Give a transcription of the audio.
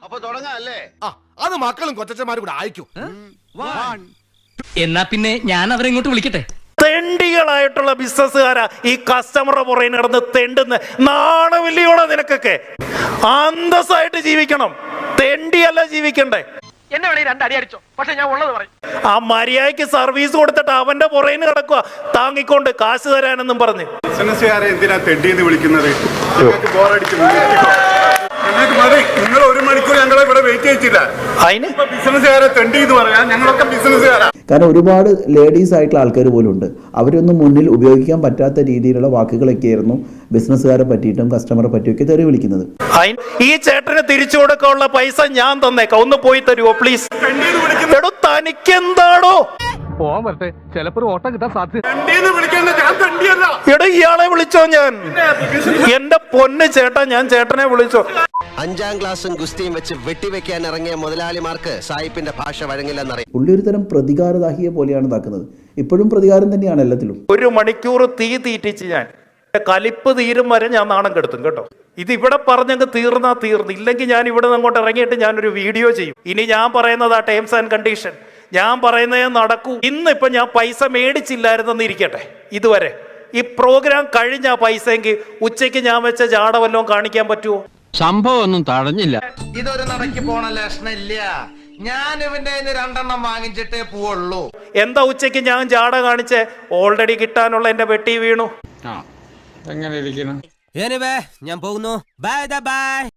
അപ്പൊ തുടങ്ങാല്ലേ? അത് മക്കളും കൊച്ചന്മാരും കൂടെ അയക്കും. എന്നാ പിന്നെ ഞാൻ അവരെ ഇങ്ങോട്ട് വിളിക്കട്ടെ. തെണ്ടികളായിട്ടുള്ള ബിസിനസ്സുകാരാ ഈ കസ്റ്റമറുടെ പുറകെ നടന്ന് തെണ്ടുന്ന. നാണമില്ലയോടെ നിനക്കൊക്കെ? അന്തസ്സായിട്ട് ജീവിക്കണം, തെണ്ടിയല്ല ജീവിക്കണ്ടേ. എന്നെ വേണേ രണ്ടടി അടിച്ചോ, പക്ഷെ ഞാൻ ഉള്ളത് പറയും. ആ മര്യാദയ്ക്ക് സർവീസ് കൊടുത്തിട്ട് അവന്റെ പുറകെ കിടക്കുക താങ്ങിക്കൊണ്ട് കാശ് തരാനെന്നും പറഞ്ഞ്. ബിസിനസ്സുകാരെ എന്തിനാ തെണ്ടിയെന്ന് വിളിക്കുന്നത്? നിങ്ങൾ 1 മണിക്കൂർ ഞങ്ങളെ ഇവിടെ വെയിറ്റ് ചെയ്യിച്ചില്ല. അതിന് ബിസിനസ്സുകാരെ തെണ്ടി എന്ന് പറയാൻ ഞങ്ങളൊക്കെ ബിസിനസ്സുകാരാ. കാരണം ഒരുപാട് ലേഡീസ് ആയിട്ടുള്ള ആൾക്കാർ പോലും ഉണ്ട്. അവരൊന്നും മുന്നിൽ ഉപയോഗിക്കാൻ പറ്റാത്ത രീതിയിലുള്ള വാക്കുകളൊക്കെ ആയിരുന്നു ബിസിനസ്സുകാരെ പറ്റിയിട്ടും കസ്റ്റമറെ പറ്റിയൊക്കെ തെറി വിളിക്കുന്നത്. ഈ ചേട്ടന് തിരിച്ചു കൊടുക്കാനുള്ള പൈസ ഞാൻ തന്നേക്കാം, ഒന്ന് പോയി തരുമോ പ്ലീസ്? എടോ തനിക്കെന്താടോ? പോവാൻ പറ്റേ, ചിലപ്പോ ഓട്ടം കിട്ടാൻ സാധ്യത. എടോ ഇയാളെ വിളിച്ചോ? ഞാൻ എന്റെ പൊന്ന് ചേട്ടാ, ഞാൻ ചേട്ടനെ വിളിച്ചോ. 5ാം ക്ലാസ്സും ഗുസ്തിയും വെച്ച് വെട്ടിവെക്കാൻ ഇറങ്ങിയ മുതലാളിമാർക്ക് സായിപ്പിന്റെ ഭാഷ വഴങ്ങില്ലെന്നറിയാം. പുള്ളി ഒരു തരം പ്രതികാരദാഹിയെ പോലെയാണ് ഇതാക്കുന്നത്. ഇപ്പോഴും പ്രതികാരം തന്നെയാണ് എല്ലാത്തിലും. 1 മണിക്കൂർ തീ തീറ്റിച്ച് ഞാൻ കലിപ്പ് തീരും വരെ ഞാൻ നാണം കെടുത്തും കേട്ടോ. ഇത് ഇവിടെ പറഞ്ഞങ്ങ് തീർന്നാ തീർന്നു. ഇല്ലെങ്കിൽ ഞാൻ ഇവിടെ നിന്ന് അങ്ങോട്ട് ഇറങ്ങിയിട്ട് ഞാനൊരു വീഡിയോ ചെയ്യും. ഇനി ഞാൻ പറയുന്നത് ആ ടേംസ് ആൻഡ് കണ്ടീഷൻ ഞാൻ പറയുന്നതേ നടക്കൂ. ഇന്നിപ്പം ഞാൻ പൈസ മേടിച്ചില്ലായിരുന്നെന്ന് ഇരിക്കട്ടെ, ഇതുവരെ ഈ പ്രോഗ്രാം കഴിഞ്ഞ പൈസയെങ്കിൽ ഉച്ചയ്ക്ക് ഞാൻ വെച്ച ജാട വല്ലതും കാണിക്കാൻ പറ്റുമോ? സംഭവം ഒന്നും തടഞ്ഞില്ല. ഇതൊരു നടക്ക് പോണ ലക്ഷണില്ല. ഞാൻ ഇവന്റെ 2 വാങ്ങിച്ചിട്ടേ പോവുള്ളൂ. എന്താ ഉച്ചയ്ക്ക് ഞാൻ ജാട കാണിച്ച് ഓൾറെഡി കിട്ടാനുള്ള എന്റെ വെട്ടി വീണു. എങ്ങനെ ഇരിക്കണം? ഞാൻ പോകുന്നു. Bye by.